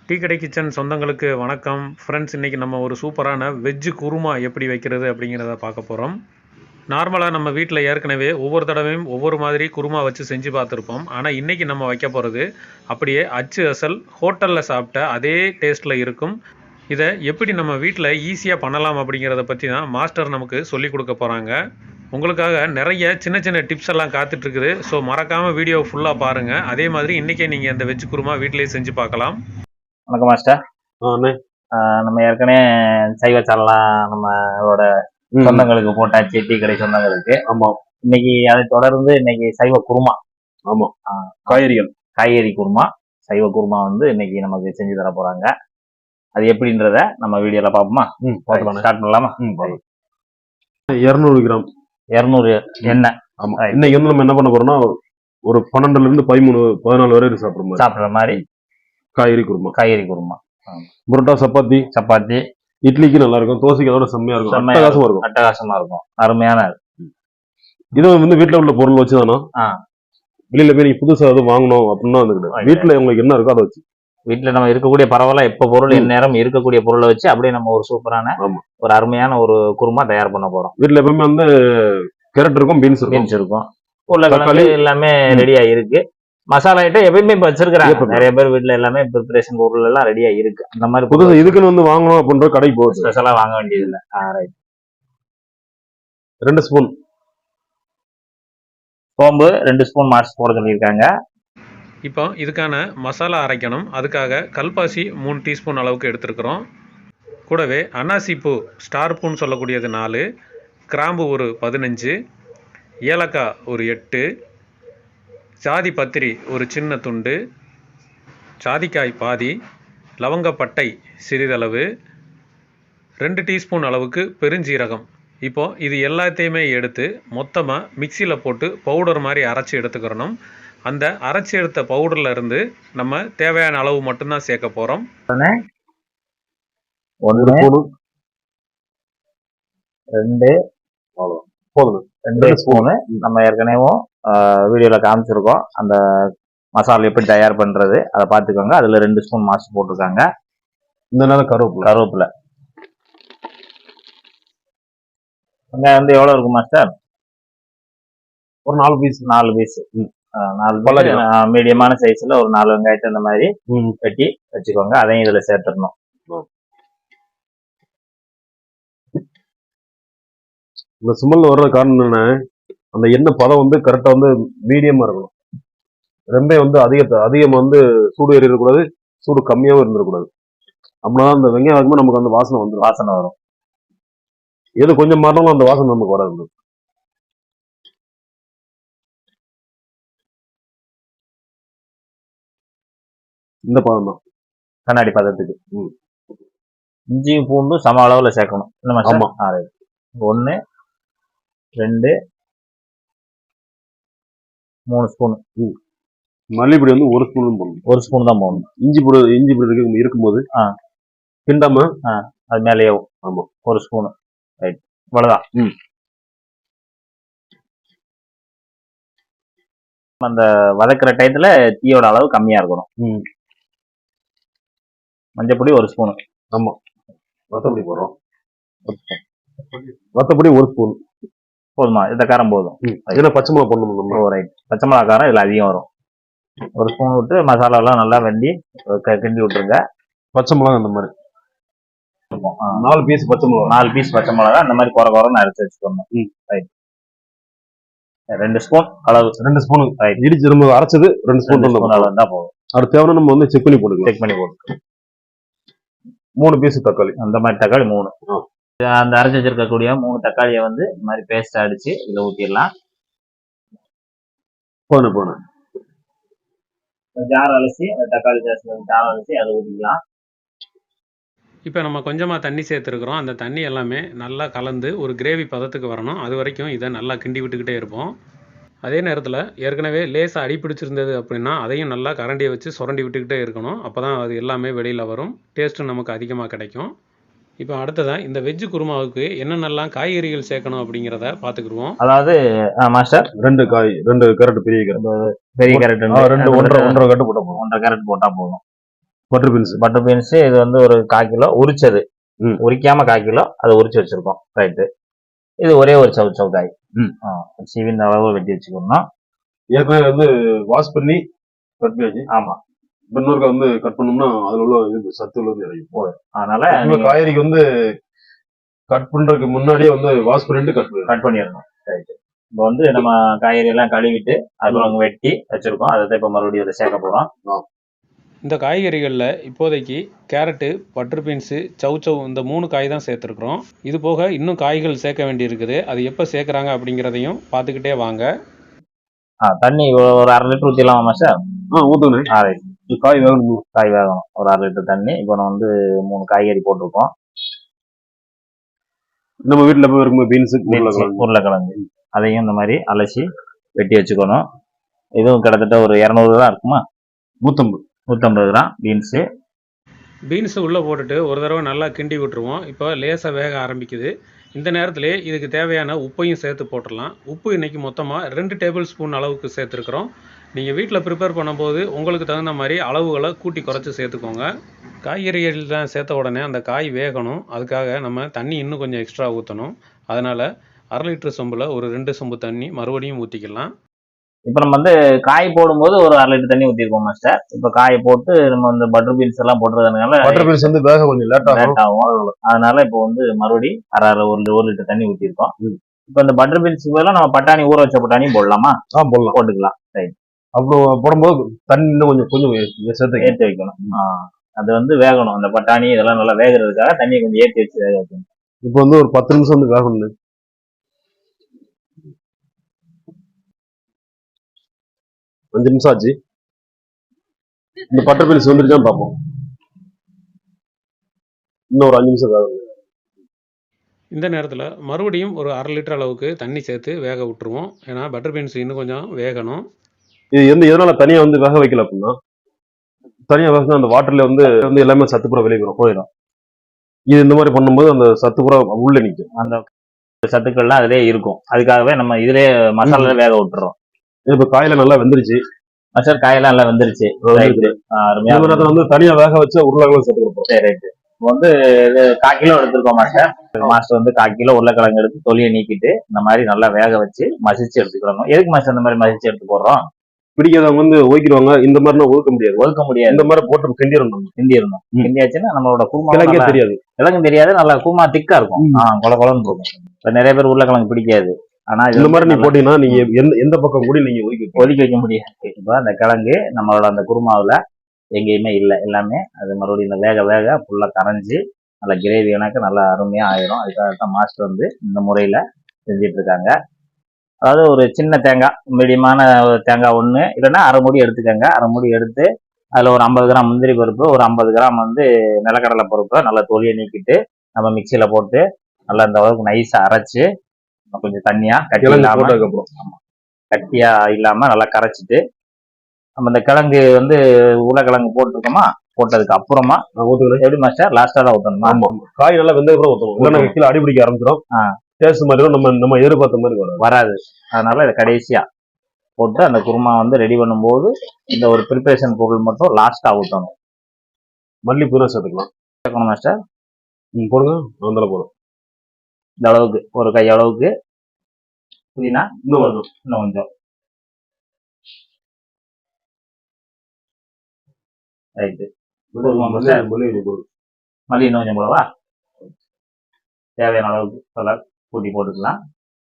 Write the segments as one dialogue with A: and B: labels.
A: Tea கடை kitchen சொந்தங்களுக்கு வணக்கம் ஃப்ரெண்ட்ஸ். இன்றைக்கி நம்ம ஒரு சூப்பரான வெஜ்ஜு குருமா எப்படி வைக்கிறது அப்படிங்கிறத பார்க்க போகிறோம். நார்மலாக நம்ம வீட்டில் ஏற்கனவே ஒவ்வொரு தடவையும் ஒவ்வொரு மாதிரி குருமா வச்சு செஞ்சு பார்த்துருப்போம். ஆனால் இன்றைக்கி நம்ம வைக்க போகிறது அப்படியே அச்சு அசல் ஹோட்டலில் சாப்பிட்ட அதே டேஸ்ட்டில் இருக்கும். இதை எப்படி நம்ம வீட்டில் ஈஸியாக பண்ணலாம் அப்படிங்கிறத பற்றி தான் மாஸ்டர் நமக்கு சொல்லிக் கொடுக்க போகிறாங்க. உங்களுக்காக நிறைய சின்ன சின்ன டிப்ஸ் எல்லாம் காத்துட்ருக்குது. ஸோ மறக்காமல் வீடியோ ஃபுல்லாக பாருங்கள். அதே மாதிரி இன்றைக்கே நீங்கள் இந்த வெஜ் குருமா வீட்டிலேயே செஞ்சு பார்க்கலாம்.
B: வணக்கம் மாஸ்டர். நம்ம ஏற்கனவே சைவ சாலெல்லாம் நம்மளோட சொந்தங்களுக்கு போட்டாச்சு, டீ கடை சொந்தங்களுக்கு.
C: ஆமா,
B: இன்னைக்கு அதை தொடர்ந்து இன்னைக்கு சைவ குருமா.
C: ஆமா, காய்கறி
B: குருமா, சைவ குருமா வந்து இன்னைக்கு நமக்கு செஞ்சு தர போறாங்க. அது எப்படின்றத நம்ம வீடியோல பார்ப்போமா? ஸ்டார்ட் பண்ணலாமா?
C: 200 கிராம்
B: 200 எண்ணெய்.
C: ஆமா, இன்னைக்கு வந்து நம்ம என்ன பண்ண போறோம்னா ஒரு 12ல இருந்து 13-14 வரை
B: சாப்பிடுற மாதிரி
C: காய்கறி குருமா. புரோட்டா, சப்பாத்தி, இட்லிக்கு நல்லா இருக்கும், தோசைக்கு அதோட செம்மையா இருக்கும்,
B: அட்டகாசமா இருக்கும், அருமையான.
C: இது வந்து வீட்டுல உள்ள பொருள் வச்சுதானா? வெளியில போய் நீங்க புதுசா எதுவும் வாங்கணும் அப்படின்னா வீட்டுல உங்களுக்கு என்ன இருக்கோ அதை வச்சு,
B: வீட்டுல நம்ம இருக்கக்கூடிய பரவாயில்ல எப்ப பொருள் நேரம் இருக்கக்கூடிய பொருளை வச்சு அப்படியே நம்ம ஒரு சூப்பரான ஒரு அருமையான ஒரு குருமா தயார் பண்ண போறோம்.
C: வீட்டுல எப்பவுமே வந்து கேரட் இருக்கும், பீன்ஸ் இருக்கும்,
B: உருளைக்கிழங்கு எல்லாமே ரெடியா இருக்கு. மசாலா ஐட்டம் எப்பயுமே இப்ப வச்சிருக்காங்க நிறைய பேர் வீட்டுல, எல்லாமே ப்ரிப்பரேஷன் பொருள் எல்லாம் ரெடியா இருக்கு. அந்த மாதிரி
C: புதுசு இதுக்குன்னு வந்து வாங்கணும் அப்படின்ற கடைக்கு போகுது,
B: ஸ்பெஷலா வாங்க வேண்டியது இல்லை.
C: 2 ஸ்பூன்
B: சோம்பு, 2 ஸ்பூன் மார்ச் போட சொல்லியிருக்காங்க.
A: இப்போ இதுக்கான மசாலா அரைக்கணும். அதுக்காக கல்பாசி 3 டீஸ்பூன் அளவுக்கு எடுத்துருக்குறோம். கூடவே அன்னாசிப்பூ ஸ்டார் பூன்னு சொல்லக்கூடியது 4, கிராம்பு ஒரு 15, ஏலக்காய் ஒரு 8, சாதி பத்திரி ஒரு சின்ன துண்டு, சாதிக்காய் பாதி, லவங்கப்பட்டை சிறிதளவு, 2 டீஸ்பூன் அளவுக்கு பெருஞ்சீரகம். இப்போது இது எல்லாத்தையுமே எடுத்து மொத்தமாக மிக்சியில் போட்டு பவுடர் மாதிரி அரைச்சி எடுத்துக்கிறணும். அந்த அரைச்சி எடுத்த பவுடரில் இருந்து நம்ம தேவையான அளவு மட்டும்தான் சேர்க்க போகிறோம்.
B: 2 ஸ்பூனு நம்ம ஏற்கனவே வீடியோல காமிச்சிருக்கோம். அந்த மசாலா எப்படி தயார் பண்றது அதை பார்த்துக்கோங்க. அதுல 2 ஸ்பூன் மாசு போட்டிருக்காங்க.
C: இந்த நேரம் கருவேப்பிலை
B: வெங்காயம் வந்து எவ்வளவு இருக்கும் மாஸ்டர்?
C: ஒரு 4 பீஸ்.
B: 4 மீடியமான சைஸ்ல ஒரு 4 வெங்காயத்தை இந்த மாதிரி வெட்டி வச்சுக்கோங்க. அதையும் இதுல சேர்த்துடணும்.
C: இந்த சுமல் வர்ற காரணம் என்ன, அந்த எண்ணெய் பதம் வந்து கரெக்டா வந்து மீடியமா இருக்கணும். ரொம்ப வந்து அதிகம் வந்து சூடு ஏறிடக்கூடாது, சூடு கம்மியாவும் இருந்துடக்கூடாது. அப்படின்னா அந்த வெங்காயம் வைக்கும்போது நமக்கு அந்த வாசனை வரும். எது கொஞ்சம் மாறினாலும் அந்த வாசனை நமக்கு வராது. இந்த பதம் தான்
B: கண்ணாடி பதத்துக்கு. இஞ்சியும் பூண்டும் சம அளவுல சேர்க்கணும். 1 2 3 ஸ்பூன்.
C: மல்லிப்பொடி வந்து 1 ஸ்பூன் போடணும்.
B: 1 ஸ்பூன் தான் போடணும்.
C: இஞ்சி பொடி இருக்கும்போது கிண்டாம
B: அது மேலேயே 1 ஸ்பூன். ரைட், இவ்வளவுதான். அந்த வதக்குற டயத்துல தீயோட அளவு கம்மியா இருக்கணும். மஞ்சப்பொடி 1 ஸ்பூன்.
C: ஆமா, வத்தப்பொடி போடுறோம். வத்தப்பொடி 1 ஸ்பூன்
B: போதுமா? இந்த காரம் போதும்.
C: ஏன்னா பச்சை மிளகா போடணும்.
B: ரைட், பச்சை மிளகா காரம் இதுல அதிகம் வரும். 1 ஸ்பூன் விட்டு மசாலா எல்லாம் நல்லா வெண்டி கிண்டி விட்டுருங்க.
C: பச்சை மிளகா அந்த மாதிரி 4 பீஸ் பச்சை மிளகா,
B: 4 பீஸ் பச்சை மிளகா அந்த மாதிரி குறைன்னு அரைச்சு வச்சுக்கோங்க. ரைட், 2 ஸ்பூன் அளவு.
C: 2 ஸ்பூன் இடிச்சு நம்ம அரைச்சது 2 ஸ்பூன்
B: அளவு தான் போதும்.
C: அது தேவை நம்ம வந்து செக் பண்ணி போட்டுக்கலாம். 3 பீஸ் தக்காளி,
B: அந்த மாதிரி தக்காளி 3. அந்த அரைச்சி வச்சிருக்கக்கூடிய 3 தக்காளியை வந்து இந்த மாதிரி பேஸ்ட் அடிச்சு இதுல ஊத்திடலாம்.
C: போன
B: ஜார் அலசி தக்காளி ஜார் அலசி அதை ஊற்றிக்கலாம்.
A: இப்போ நம்ம கொஞ்சமாக தண்ணி சேர்த்துருக்குறோம். அந்த தண்ணி எல்லாமே நல்லா கலந்து ஒரு கிரேவி பதத்துக்கு வரணும். அது வரைக்கும் இதை நல்லா கிண்டி விட்டுக்கிட்டே இருப்போம். அதே நேரத்தில் ஏற்கனவே லேசாக அடி பிடிச்சிருந்தது அப்படின்னா அதையும் நல்லா கரண்டியை வச்சு சுரண்டி விட்டுக்கிட்டே இருக்கணும். அப்போ தான் அது எல்லாமே வெளியில் வரும், டேஸ்ட்டும் நமக்கு அதிகமாக கிடைக்கும். இப்போ அடுத்ததான் இந்த வெஜ்ஜு குருமாவுக்கு என்னென்னலாம் காய்கறிகள் சேர்க்கணும் அப்படிங்கிறத பார்த்துக்குருவோம்.
B: அதாவது மாஸ்டர்
C: 2 கேரட், பெரிய கேரட்
B: 1.5 கேரட்
C: போட்டா போதும்.
B: 1.5 கேரட் போட்டா போதும்.
C: Butter beans.
B: பட்டர் பீன்ஸ் இது வந்து ஒரு 1/4 கிலோ உரிச்சது, உரிக்காம 1/4 கிலோ அதை உரிச்சு வச்சிருக்கோம். ரைட்டு. இது ஒரே ஒரு சவு காய். சீவி இந்த அளவு வெட்டி வச்சுக்கணும்.
C: ஏற்கனவே வந்து வாஷ் பண்ணி கட் பண்ணி.
B: ஆமா.
C: இன்னொரு வந்து கட் பண்ணோம்னா அதுல உள்ள இது சத்து உள்ளது இறங்கி போகும்.
B: அதனால
C: காய்கறிக்கு வந்து கட் பண்றதுக்கு முன்னாடியே வந்து வாஷ் பண்ணிட்டு கட்
B: பண்ணிடணும். ரைட்டு. இப்போ வந்து நம்ம காய்கறி எல்லாம் கழுவிட்டு அதுல வெட்டி வச்சிருக்கோம். அதை இப்போ மறுபடியும் இதை சேர்க்க போறோம்.
A: இந்த காய்கறிகளில் இப்போதைக்கு கேரட்டு, பட்டர் பீன்ஸு, சவ் இந்த 3 காய் தான் சேர்த்துருக்குறோம். இது போக இன்னும் காய்கள் சேர்க்க வேண்டியிருக்குது. அது எப்போ சேர்க்குறாங்க அப்படிங்கிறதையும் பார்த்துக்கிட்டே வாங்க.
B: தண்ணி ஒரு 1/2 லிட்டர் ஊற்றிடலாமா சார்?
C: ஊற்றுங்க. காய் வேகணும்.
B: காய் வேகணும். ஒரு 1/2 லிட்டர் தண்ணி. இப்போ நம்ம வந்து 3 காய்கறி போட்டிருக்கோம்.
C: நம்ம வீட்டில் போய் இருக்கும்போது பீன்ஸு,
B: உருளைக்கிழங்கு அதையும் இந்த மாதிரி அலசி வெட்டி வச்சுக்கணும். இதுவும் கிட்டத்தட்ட ஒரு 200 கிராம் இருக்குமா? 150 கிராம் பீன்ஸு.
A: பீன்ஸு உள்ளே போட்டுட்டு ஒரு தடவை நல்லா கிண்டி விட்டுருவோம். இப்போ லேசாக வேக ஆரம்பிக்குது. இந்த நேரத்திலே இதுக்கு தேவையான உப்பையும் சேர்த்து போட்டுடலாம். உப்பு இன்றைக்கி மொத்தமாக 2 டேபிள் ஸ்பூன் அளவுக்கு சேர்த்துருக்குறோம். நீங்கள் வீட்டில் ப்ரிப்பேர் பண்ணும்போது உங்களுக்கு தகுந்த மாதிரி அளவுகளை கூட்டி குறைச்சி சேர்த்துக்கோங்க. காய்கறிகள் தான் சேர்த்த உடனே அந்த காய் வேகணும். அதுக்காக நம்ம தண்ணி இன்னும் கொஞ்சம் எக்ஸ்ட்ரா ஊற்றணும். அதனால் 1/2 லிட்டர் சொம்பில் ஒரு 2 சொம்பு தண்ணி மறுபடியும் ஊற்றிக்கலாம்.
B: இப்போ நம்ம வந்து காய் போடும்போது ஒரு 1/2 லிட்டர் தண்ணி ஊற்றிருக்கோம் மாஸ்டர். இப்போ காயை போட்டு நம்ம இந்த பட்டர் பீன்ஸ் எல்லாம் போட்டுறதுனால
C: பட்டர் பீன்ஸ் வந்து வேக கொஞ்சம் லேட்
B: ஆகும். அதனால இப்போ வந்து மறுபடி 1 லிட்டர் தண்ணி ஊற்றிருக்கோம். இப்போ இந்த பட்டர் பீன்ஸ் பதிலாக நம்ம பட்டாணி ஊற வச்ச பட்டாணியும் போடலாமா?
C: போடலாம்,
B: போட்டுக்கலாம். ரைட்.
C: அப்புறம் போடும்போது தண்ணி இன்னும் கொஞ்சம் சேர்த்து
B: ஏற்றி வைக்கணும். அது வந்து வேகணும். அந்த பட்டாணி இதெல்லாம் நல்லா வேகிறதுக்காக தண்ணியை கொஞ்சம் ஏற்றி வச்சு வேக வைக்கணும்.
C: இப்போ வந்து ஒரு 10 நிமிஷம் வந்து வேகணும். 5 நிமிஷம் ஆச்சு. இந்த பட்டர் பீன்ஸ் வந்துருச்சான்னு பார்ப்போம். இன்னும் ஒரு 5 நிமிஷம் வேகணும்.
A: இந்த நேரத்தில் மறுபடியும் ஒரு 1/2 லிட்டர் அளவுக்கு தண்ணி சேர்த்து வேக விட்டுருவோம். ஏன்னா பட்டர் பீன்ஸ் இன்னும் கொஞ்சம் வேகணும்.
C: இது எதனால தனியாக வந்து வேக வைக்கல அப்படின்னா, தனியாக வேக அந்த வாட்டர்ல வந்து எல்லாமே சத்து பூரா வெளியே போயிடும். இது இந்த மாதிரி பண்ணும்போது அந்த சத்து பூரா உள்ள நிற்கும்.
B: அந்த சத்துக்கள்லாம் அதிலே இருக்கும். அதுக்காகவே நம்ம இதிலே மசாலா வேக விட்டுறோம்.
C: இப்ப காயில நல்லா வெந்துருச்சு.
B: சார் காயெல்லாம் நல்லா வெந்துருச்சு.
C: வந்து தனியா வேக வச்சு உருளைக்கிழங்கு சேர்த்து கொடுப்போம்.
B: சரி, ரைட்டு. வந்து 1/4 கிலோ எடுத்துருக்கோம் மாஸ்டர். மாஸ்டர் வந்து 1/4 கிலோ உருளைக்கிழங்கு எடுத்து தொலியை நீக்கிட்டு இந்த மாதிரி நல்லா வேக வச்சு மசிச்சு எடுத்துக்கிறோம். எதுக்கு மாஸ்டர் இந்த மாதிரி மசிச்சு எடுத்து போடுறோம்?
C: பிடிக்காதவங்க வந்து ஒதுக்கிடுவாங்க. இந்த மாதிரி ஒதுக்க முடியாது. இந்த மாதிரி போட்டு கிண்டிடணும்.
B: கிண்டியாச்சுன்னா நம்மளோட குருமா
C: தெரியாது,
B: கிழங்கு தெரியாது. நல்லா குருமா திக்கா இருக்கும். கொல கொலன்னு இருக்கும். இப்ப நிறைய பேர் உருளைக்கிழங்கு பிடிக்காது. ஆனா
C: இந்த மாதிரி நீ போட்டீங்கன்னா நீங்க எந்த பக்கம் கூட நீங்க
B: ஒதுக்கி வைக்க முடியாது. இப்ப அந்த கிழங்கு நம்மளோட அந்த குருமாவுல எங்கேயுமே இல்லை. எல்லாமே அது மறுபடியும் இந்த வேக வேக ஃபுல்லா கரைஞ்சி நல்ல கிரேவி எனக்கு நல்லா அருமையா ஆயிரும். அதுக்காகத்தான் மாஸ்டர் வந்து இந்த முறையில செஞ்சிட்டு இருக்காங்க. அதாவது ஒரு சின்ன தேங்காய், மீடியமான தேங்காய் ஒன்று இல்லைன்னா 1/2 மூடி எடுத்துக்கோங்க. 1/2 மூடி எடுத்து அதில் ஒரு 50 கிராம் முந்திரி பருப்பு, ஒரு 50 கிராம் வந்து நிலக்கடலை பருப்பை நல்லா தொலியை நீக்கிட்டு நம்ம மிக்சியில் போட்டு நல்லா இந்த அளவுக்கு நைஸாக அரைச்சி கொஞ்சம் தண்ணியா கட்டியா இல்லாம நல்லா கரைச்சிட்டு நம்ம இந்த கிழங்கு வந்து உருளைக்கிழங்கு போட்டுருக்கோமா, போட்டதுக்கு அப்புறமா எப்படி மாஸ்டர் லாஸ்டா தான் ஊற்றணுமா?
C: காய் நல்லா வெந்தது கூட ஊற்றணும். கீழே அடிபிடிக்க ஆரம்பிச்சிடும். டேஸ்ட் மாதிரி நம்ம எதிர்பார்த்த மாதிரி
B: வராது. அதனால இதை கடைசியா போட்டு அந்த குருமா வந்து ரெடி பண்ணும்போது இந்த ஒரு ப்ரிப்பரேஷன் பொருள் மட்டும் லாஸ்டா ஊற்றணும்.
C: மல்லிப்பூ சேர்த்துக்கலாம்
B: மாஸ்டர்.
C: போடுங்க. அந்த போதும்.
B: இந்த அளவுக்கு ஒரு கை அளவுக்கு புதினா இன்னும் கொஞ்சம். ரைட்டு. மல்லி இன்னும் கொஞ்சம் போடவா? தேவையான அளவுக்கு கலர் கூட்டி போட்டுக்கலாம்.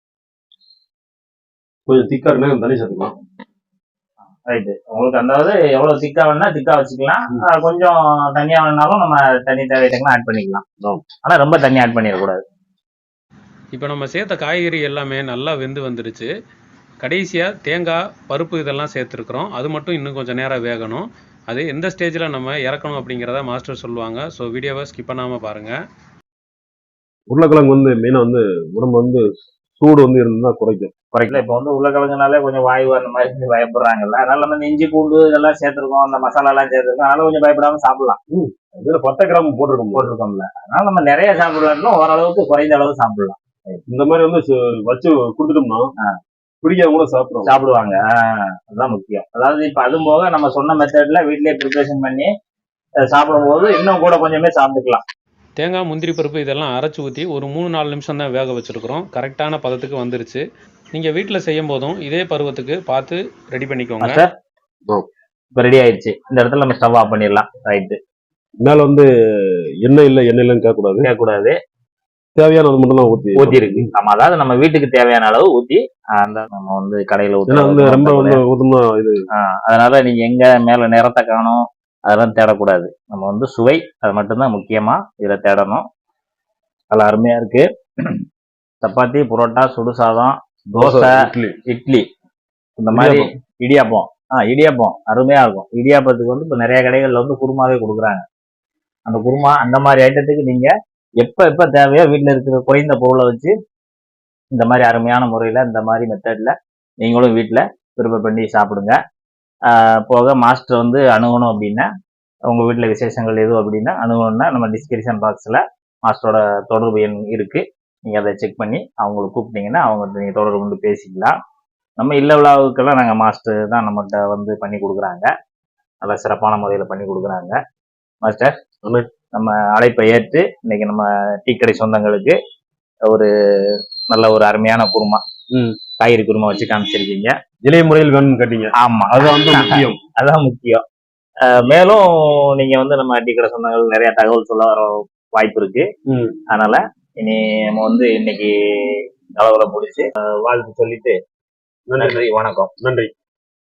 C: கொஞ்சம் திக்கா இருந்தா தண்ணி சேர்த்துக்கலாம்.
B: ரைட்டு. உங்களுக்கு அதாவது எவ்வளவு திக்கா வேணா திக்கா வச்சுக்கலாம். கொஞ்சம் தண்ணியா வேணாலும் நம்ம தண்ணி தேவையான ஆட் பண்ணிக்கலாம். ஆனா ரொம்ப தண்ணி ஆட் பண்ணிடக்கூடாது.
A: இப்போ நம்ம சேர்த்த காய்கறி எல்லாமே நல்லா வெந்து வந்துடுச்சு. கடைசியாக தேங்காய், பருப்பு இதெல்லாம் சேர்த்துருக்குறோம். அது மட்டும் இன்னும் கொஞ்சம் நேரம் வேகணும். அது எந்த ஸ்டேஜில் நம்ம இறக்கணும் அப்படிங்கிறத மாஸ்டர் சொல்லுவாங்க. ஸோ வீடியோவை ஸ்கிப் பண்ணாமல் பாருங்கள்.
C: உருளைக்கிழங்கு வந்து மெயினாக வந்து உடம்பு வந்து சூடு வந்து இருந்தால் குறைக்கும்.
B: இப்போ வந்து உருளைக்கிழங்குனாலே கொஞ்சம் வாயு அந்த மாதிரி பயப்படுறாங்கல்ல. அதனால நம்ம இஞ்சி பூண்டு இதெல்லாம் சேர்த்துருக்கோம், அந்த மசாலா எல்லாம் சேர்த்துருக்கோம். அதனால கொஞ்சம் பயப்படாம சாப்பிடலாம்.
C: இதில் 10 கிராம் போட்டிருக்கோம்ல.
B: அதனால நம்ம நிறைய சாப்பிடலாம், ஓரளவுக்கு குறைந்த அளவு சாப்பிடலாம்.
C: இந்த மாதிரி வந்து வச்சு கொடுத்துட்டோம்னா பிடிக்காம கூட
B: சாப்பிடுவாங்க. அதுதான் முக்கியம். அதாவது இப்ப அது போக நம்ம சொன்ன மெத்தட்ல வீட்லயே ப்ரிப்பரேஷன் பண்ணி சாப்பிடும்போது இன்னும் கூட கொஞ்சமே சாப்பிட்டுக்கலாம்.
A: தேங்காய், முந்திரி பருப்பு இதெல்லாம் அரைச்சி ஊற்றி ஒரு 3-4 நிமிஷம் தான் வேக வச்சுருக்குறோம். கரெக்டான பதத்துக்கு வந்துருச்சு. நீங்கள் வீட்டில் செய்யும் போதும் இதே பருவத்துக்கு பார்த்து ரெடி பண்ணிக்கோங்க.
B: மாஸ்டர் இப்போ ரெடி ஆயிடுச்சு. இந்த இடத்துல நம்ம ஸ்டவ் ஆஃப் பண்ணிடலாம். ரைட்டு.
C: மேல வந்து எண்ணெய் இல்லைன்னு
B: கேட்கக்கூடாது.
C: தேவையானது மட்டும் தான்
B: ஊத்தி இருக்கு. ஆமா, அதாவது நம்ம வீட்டுக்கு தேவையான அளவு ஊத்தி அந்த நம்ம வந்து கடையில
C: ரொம்ப ஊத்துனா இது.
B: அதனால நீங்க எங்க மேல நிறத்தை காணும் அதெல்லாம் தேடக்கூடாது. நம்ம வந்து சுவை அது மட்டும்தான் முக்கியமா இதுல தேடணும். நல்லா அருமையா இருக்கு. சப்பாத்தி, புரோட்டா, சுடு சாதம், தோசை, இட்லி, இந்த மாதிரி இடியாப்பம் அருமையா இருக்கும். இடியாப்பத்துக்கு வந்து இப்ப நிறைய கடைகள்ல வந்து குருமாவே கொடுக்குறாங்க. அந்த குருமா அந்த மாதிரி ஐட்டத்துக்கு நீங்க எப்ப தேவையோ வீட்டுல இருக்கிற குறைந்த பொருளை வச்சு இந்த மாதிரி அருமையான முறையில இந்த மாதிரி மெத்தட்ல நீங்களும் வீட்டுல ப்ரிப்பேர் பண்ணி சாப்பிடுங்க. போக மாஸ்டர் வந்து அணுகணும் அப்படின்னா, உங்க வீட்டுல விசேஷங்கள் எதுவும் அப்படின்னா அணுகணும்னா நம்ம டிஸ்கிரிப்ஷன் பாக்ஸ்ல மாஸ்டரோட தொடர்பு எண் இருக்கு. நீங்க அதை செக் பண்ணி அவங்களை கூப்பிட்டீங்கன்னா அவங்க நீங்க தொடர்பு கொண்டு பேசிக்கலாம். நம்ம இல்ல விழாவுக்கெல்லாம் நாங்கள் மாஸ்டர் தான் நம்மகிட்ட வந்து பண்ணி கொடுக்குறாங்க. நல்லா சிறப்பான முறையில பண்ணி கொடுக்குறாங்க. மாஸ்டர், நம்ம அழைப்பை ஏற்று இன்னைக்கு நம்ம டீ கடை சொந்தங்களுக்கு ஒரு நல்ல ஒரு அருமையான குருமா, காய்கறி குருமா வச்சு காமிச்சிருக்கீங்க.
C: இளைய முறையில் வேணும்னு கேட்டீங்க.
B: ஆமா,
C: அதுதான் வந்து முக்கியம்.
B: அதான் முக்கியம். மேலும் நீங்க வந்து நம்ம டீ கடை சொந்தங்கள் நிறைய தகவல் சொல்ல வர வாய்ப்பு இருக்கு. அதனால இனி நம்ம வந்து இன்னைக்கு அளவுல முடிச்சு வாழ்த்து சொல்லிட்டு நன்றி, வணக்கம்.
C: நன்றி.